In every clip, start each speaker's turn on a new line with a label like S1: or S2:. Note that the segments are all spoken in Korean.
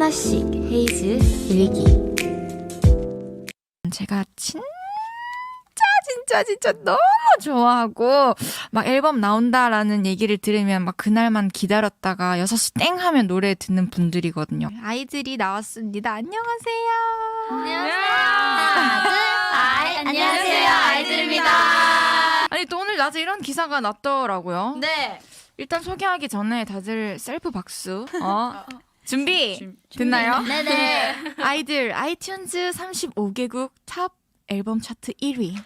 S1: 하나씩 헤이즈 일기. 제가 진짜 너무 좋아하고 막 앨범 나온다라는 얘기를 들으면 막 그날만 기다렸다가 6시 땡 하면 노래 듣는 분들이거든요. 아이들이 나왔습니다. 안녕하세요.
S2: 안녕하세요, 아이들입니다.
S1: 아니 또 오늘 낮에 이런 기사가 났더라고요.
S2: 네.
S1: 일단 소개하기 전에 다들 셀프 박수. 준비 됐나요?
S2: 네네.
S1: 아이들 아이튠즈 35개국 탑 앨범 차트 1위.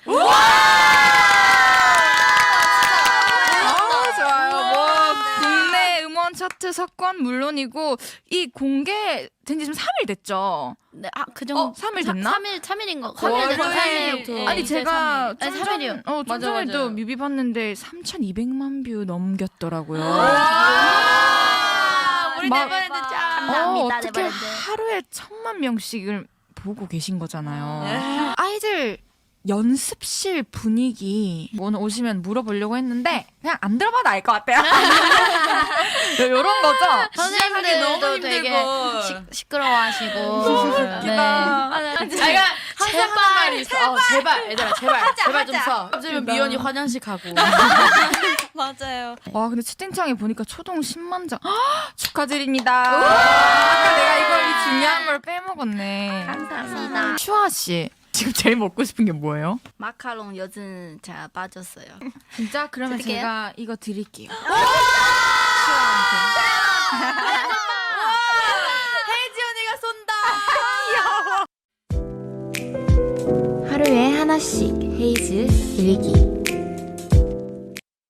S1: 좋아요. 뭐 국내 음원 차트 석권 물론이고 이 공개된 지 지금 3일 됐죠.
S2: 네, 그 정도.
S1: 3일 됐나?
S2: 3일인 거.
S1: 3일 됐죠.
S2: 3일부터.
S1: 아니 제가 좀
S2: 3일이요.
S1: 좀 전에도 뮤비 봤는데 3,200만 뷰 넘겼더라고요.
S2: 우리
S1: 막-
S2: 네버랜드 짱.
S1: 어떻게 하루에 1,000만 명씩을 보고 계신 거잖아요. 아이들 연습실 분위기 오늘 오시면 물어보려고 했는데 그냥 안 들어봐도 알 것 같아요. 이런 거죠?
S2: 선생님들도 되게 시끄러워하시고.
S1: 웃기다.
S3: 제가 항상 하는 말이 있어. 제발 얘들아 제발 좀 서. 어쩌면 미연이 화장실 가고.
S2: 맞아요.
S1: 와 근데 채팅창에 보니까 초동 10만 장 축하드립니다. 아까 내가 이걸 이 중요한 걸 빼먹었네.
S2: 감사합니다.
S1: 슈아 씨 지금 제일 먹고 싶은 게 뭐예요?
S2: 마카롱 요즘 제가 빠졌어요.
S1: 진짜 그러면
S2: 드릴게요?
S1: 제가 이거 드릴게요.
S2: 혜지 언니가 쏜다.
S1: 하루에 하나씩 헤이즈 일기.